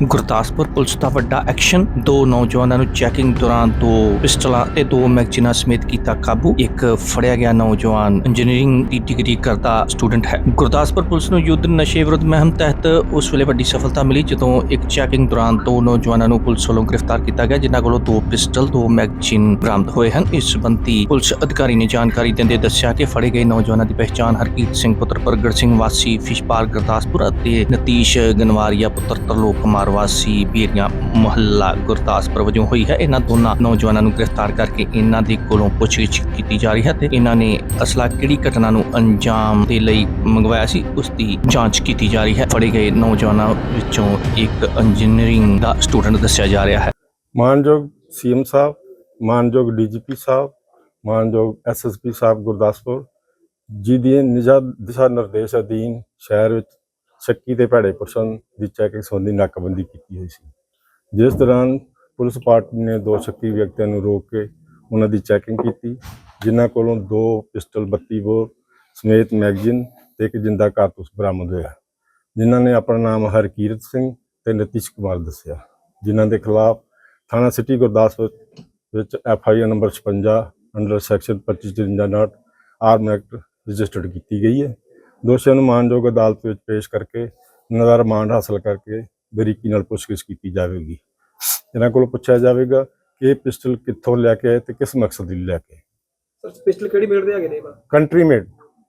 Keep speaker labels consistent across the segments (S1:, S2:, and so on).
S1: Gurdaspur police ਦਾ ਵੱਡਾ action. ਦੋ ਨੌਜਵਾਨਾਂ ਨੂੰ ਚੈਕਿੰਗ ਦੌਰਾਨ ਦੋ ਪਿਸਟਲਾਂ ਤੇ ਦੋ ਮੈਗਜ਼ੀਨਾਂ ਸਮੇਤ ਕੀਤਾ ਕਾਬੂ। ਇੱਕ ਫੜਿਆ ਗਿਆ ਨੌਜਵਾਨ ਇੰਜੀਨੀਅਰਿੰਗ ਦੀ ਡਿਗਰੀ ਕਰਦਾ ਸਟੂਡੈਂਟ ਹੈ। ਗੁਰਦਾਸਪੁਰ ਪੁਲਿਸ ਨੂੰ ਯੁੱਧ ਨਸ਼ੇ ਵਿਰੁੱਧ ਮੁਹਿੰਮ ਤਹਿਤ ਉਸ ਵੇਲੇ ਵੱਡੀ ਸਫਲਤਾ ਮਿਲੀ ਜਦੋਂ ਇੱਕ ਚੈਕਿੰਗ ਦੌਰਾਨ ਦੋ ਨੌਜਵਾਨਾਂ ਨੂੰ ਪੁਲਿਸ ਵੱਲੋਂ ਗ੍ਰਿਫਤਾਰ ਕੀਤਾ ਗਿਆ, ਜਿਨ੍ਹਾਂ ਕੋਲੋਂ ਦੋ ਪਿਸਟਲ ਦੋ ਮੈਗਜ਼ੀਨ ਬਰਾਮਦ ਹੋਏ ਹਨ। ਇਸ ਸੰਬੰਧੀ ਪੁਲਿਸ ਅਧਿਕਾਰੀ ਨੇ ਜਾਣਕਾਰੀ ਦਿੰਦੇ ਦੱਸਿਆ ਕਿ ਫੜੇ ਗਏ ਨੌਜਵਾਨਾਂ ਦੀ ਪਹਿਚਾਣ ਹਰਕੀਰਤ ਸਿੰਘ ਪੁੱਤਰ ਪ੍ਰਗਟ ਸਿੰਘ ਵਾਸੀ ਫਿਸ਼ਪਾਰ ਗੁਰਦਾਸਪੁਰ ਅਤੇ ਨਤੀਸ਼ ਗਨਵਾਰੀਆ ਪੁੱਤਰ ਤਰਲੋਕ ਕੁਮਾਰ ਵਾਸੀ ਬੇਰੀਆਂ ਮੁਹੱਲਾ ਗੁਰਦਾਸਪੁਰ ਵਜੋਂ ਹੋਈ ਹੈ। ਇਹਨਾਂ ਦੋਨਾਂ ਨੌਜਵਾਨਾਂ ਨੂੰ ਗ੍ਰਿਫਤਾਰ ਕਰਕੇ ਇਹਨਾਂ ਦੇ ਕੋਲੋਂ ਪੁੱਛਗਿੱਛ ਕੀਤੀ ਜਾ ਰਹੀ ਹੈ ਤੇ ਇਹਨਾਂ ਨੇ ਅਸਲਾ ਕਿਹੜੀ ਘਟਨਾ ਨੂੰ ਅੰਜਾਮ ਦੇ ਲਈ ਮੰਗਵਾਇਆ ਸੀ, ਉਸ ਦੀ ਜਾਂਚ ਕੀਤੀ ਜਾ ਰਹੀ ਹੈ। ਫੜੇ ਗਏ ਨੌਜਵਾਨਾਂ ਵਿੱਚੋਂ ਇੱਕ ਇੰਜੀਨੀਅਰਿੰਗ ਦਾ ਸਟੂਡੈਂਟ ਦੱਸਿਆ ਜਾ ਰਿਹਾ ਹੈ।
S2: ਮਾਨਯੋਗ ਸੀਐਮ ਸਾਹਿਬ, ਮਾਨਯੋਗ ਡੀਜੀਪੀ ਸਾਹਿਬ, ਮਾਨਯੋਗ ਐਸਐਸਪੀ ਸਾਹਿਬ ਗੁਰਦਾਸਪੁਰ ਜੀ ਦੀ ਦਿਸ਼ਾ ਨਿਰਦੇਸ਼ ਅਧੀਨ ਸ਼ਹਿਰ ਵਿੱਚ ਸ਼ੱਕੀ ਤੇ ਭੈੜੇ ਪਰਸਨ ਦੀ ਚੈਕਿੰਗ ਸੰਬੰਧੀ ਨਾਕਾਬੰਦੀ ਕੀਤੀ ਹੋਈ ਸੀ, ਜਿਸ ਦੌਰਾਨ ਪੁਲਿਸ ਪਾਰਟੀ ਨੇ ਦੋ ਸ਼ੱਕੀ ਵਿਅਕਤੀਆਂ ਨੂੰ ਰੋਕ ਕੇ ਉਹਨਾਂ ਦੀ ਚੈਕਿੰਗ ਕੀਤੀ, ਜਿਨ੍ਹਾਂ ਕੋਲੋਂ ਦੋ ਪਿਸਟਲ 32 ਬੋਰ ਸਮੇਤ ਮੈਗਜ਼ੀਨ ਤੇ ਇੱਕ ਜਿੰਦਾ ਕਾਰਤੂਸ ਬਰਾਮਦ ਹੋਇਆ, ਜਿਨ੍ਹਾਂ ਨੇ ਆਪਣਾ ਨਾਮ ਹਰਕੀਰਤ ਸਿੰਘ ਤੇ ਨਤੀਸ਼ ਕੁਮਾਰ ਦੱਸਿਆ, ਜਿਨ੍ਹਾਂ ਦੇ ਖਿਲਾਫ ਥਾਣਾ ਸਿਟੀ ਗੁਰਦਾਸਪੁਰ ਵਿੱਚ FIR number 56 under section 2553 arm act registered ਕੀਤੀ ਗਈ ਹੈ। ਦੋਸ਼ੀਆਂ ਨੂੰ ਮਾਨਯੋਗ ਅਦਾਲਤ ਵਿੱਚ ਪੇਸ਼ ਕਰਕੇ ਇਹਨਾਂ ਦਾ ਰਿਮਾਂਡ ਹਾਸਲ ਕਰਕੇ ਬਰੀਕੀ ਨਾਲ ਪੁੱਛਗਿੱਛ ਕੀਤੀ ਜਾਵੇਗੀ। ਇਹਨਾਂ ਕੋਲੋਂ ਪੁੱਛਿਆ ਜਾਵੇਗਾ ਕਿ ਇਹ ਪਿਸਟਲ ਕਿੱਥੋਂ ਲੈ ਕੇ ਆਏ ਤੇ ਕਿਸ ਮਕਸਦ ਲਈ ਲੈ ਕੇ।
S3: ਸਰ ਪਿਸਟਲ ਕਿਹੜੀ ਮੇਡ ਦੇ ਹੈਗੇ ਨੇ?
S2: Country made.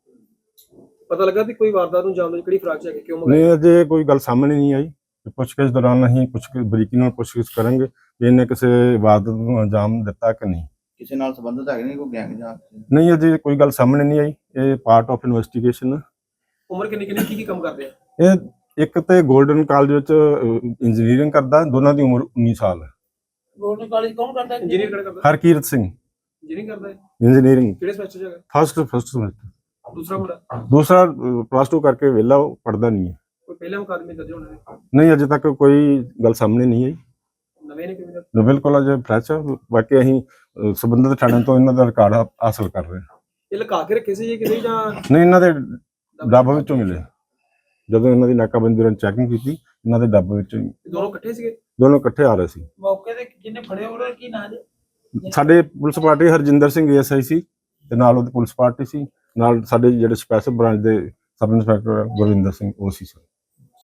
S3: ਪਤਾ ਲੱਗਾ ਵੀ ਕੋਈ ਵਾਰਦਾਤ ਨੂੰ ਅੰਜਾਮ ਦੇਣ ਕਿਹੜੀ ਫਰਾਕ ਚ ਹੈਗੇ, ਕਿਉਂ
S2: ਨਹੀਂ, ਅਜੇ ਕੋਈ ਗੱਲ ਸਾਹਮਣੇ ਨਹੀਂ ਆਈ। ਪੁੱਛਗਿੱਛ ਦੌਰਾਨ ਅਸੀਂ ਬਰੀਕੀ ਨਾਲ ਪੁੱਛਗਿੱਛ ਕਰਾਂਗੇ ਕਿ ਇਹਨੇ ਕਿਸੇ ਵਾਰਦਾਤ ਨੂੰ ਅੰਜਾਮ ਦਿੱਤਾ ਕਿ ਨਹੀਂ,
S4: ਕਿਸੇ ਨਾਲ ਸੰਬੰਧਿਤ ਹੈਗੇ ਨੇ, ਕੋਈ ਗੈਂਗ ਜਾਂ
S2: ਨਹੀਂ। ਅਜੇ ਕੋਈ ਗੱਲ ਸਾਹਮਣੇ ਨਹੀਂ ਆਈ। ਇਹ ਪਾਰਟ ਆਫ ਇਨਵੈਸਟੀਗੇਸ਼ਨ।
S3: ਉਮਰ ਕਿੰਨੀ ਕੀ ਕੰਮ ਕਰਦੇ ਆ?
S2: ਇਹ ਇੱਕ ਤੇ ਗੋਲਡਨ ਕਾਲਜ ਵਿੱਚ ਇੰਜੀਨੀਅਰਿੰਗ ਕਰਦਾ, ਦੋਨਾਂ ਦੀ ਉਮਰ 19 ਸਾਲ ਹੈ।
S3: ਗਵਰਨਮੈਂਟ ਕਾਲਜ ਕੌਣ ਕਰਦਾ? ਇੰਜੀਨੀਅਰ ਕਿਹੜਾ ਕਰਦਾ?
S2: ਹਰਕੀਰਤ ਸਿੰਘ
S3: ਇੰਜੀਨੀਅਰਿੰਗ ਕਰਦਾ ਹੈ।
S2: ਇੰਜੀਨੀਅਰਿੰਗ
S3: ਕਿਹੜੇ ਸਮੈਸਟਰ ਚ ਹੈਗਾ?
S2: First semester.
S3: ਦੂਸਰਾ ਮੁੰਡਾ?
S2: ਦੂਸਰਾ +2 ਕਰਕੇ ਵਿਹਲਾ, ਉਹ ਪੜ੍ਹਦਾ ਨਹੀਂ ਹੈ।
S3: ਕੋਈ ਪਹਿਲੇ ਮੁਕਾਦਮੇ ਦਰਜ ਹੋਣੇ ਨੇ?
S2: ਨਹੀਂ, ਅਜੇ ਤੱਕ ਕੋਈ ਗੱਲ ਸਾਹਮਣੇ ਨਹੀਂ ਆਈ।
S3: ਨਵੇਂ ਨੇ ਕਿਵੇਂ?
S2: ਬਿਲਕੁਲ ਅਜੇ ਫਰੈਸ਼ ਹੈ। ਬਾਕੀ ਅਸੀਂ ਸੰਬੰਧਿਤ ਥਾਣੇ ਤੋਂ ਇਹਨਾਂ ਦਾ ਰਿਕਾਰਡ ਹਾਸਲ ਕਰ ਰਹੇ ਹਾਂ।
S3: ਇਹ ਲੁਕਾ ਕੇ ਰੱਖੇ ਸੀ ਜੀ ਕਿਤੇ ਜਾਂ?
S2: ਨਹੀਂ, ਇਹਨਾਂ ਦੇ ਡੱਬੇ ਵਿੱਚੋਂ ਮਿਲੇ। ਜਦੋਂ ਇਹਨਾਂ ਦੀ ਨਾਕਾਬੰਦੀ ਦੌਰਾਨ ਚੈਕਿੰਗ ਕੀਤੀ, ਇਹਨਾਂ ਦੇ ਡੱਬੇ ਵਿੱਚੋਂ
S3: ਦੋਨੋਂ ਇਕੱਠੇ ਸੀਗੇ?
S2: ਦੋਨੋਂ ਇਕੱਠੇ ਆ ਰਹੇ ਸੀ।
S3: ਮੌਕੇ ਤੇ ਜਿਹਨੇ ਫੜੇ ਉਹਨਾਂ ਕੀ ਨਾਂ ਜੀ?
S2: ਸਾਡੇ police party Harjinder Singh ASI ਸੀ ਤੇ ਨਾਲ ਉਹਦੀ ਪੁਲਿਸ ਪਾਰਟੀ ਸੀ, ਨਾਲ ਸਾਡੇ ਜਿਹੜੇ ਸਪੈਸ਼ਲ ਬ੍ਰਾਂਚ ਦੇ ਸਬ ਇੰਸਪੈਕਟਰ ਗੁਰਵਿੰਦਰ ਸਿੰਘ ਉਹ ਸੀ ਸਰ।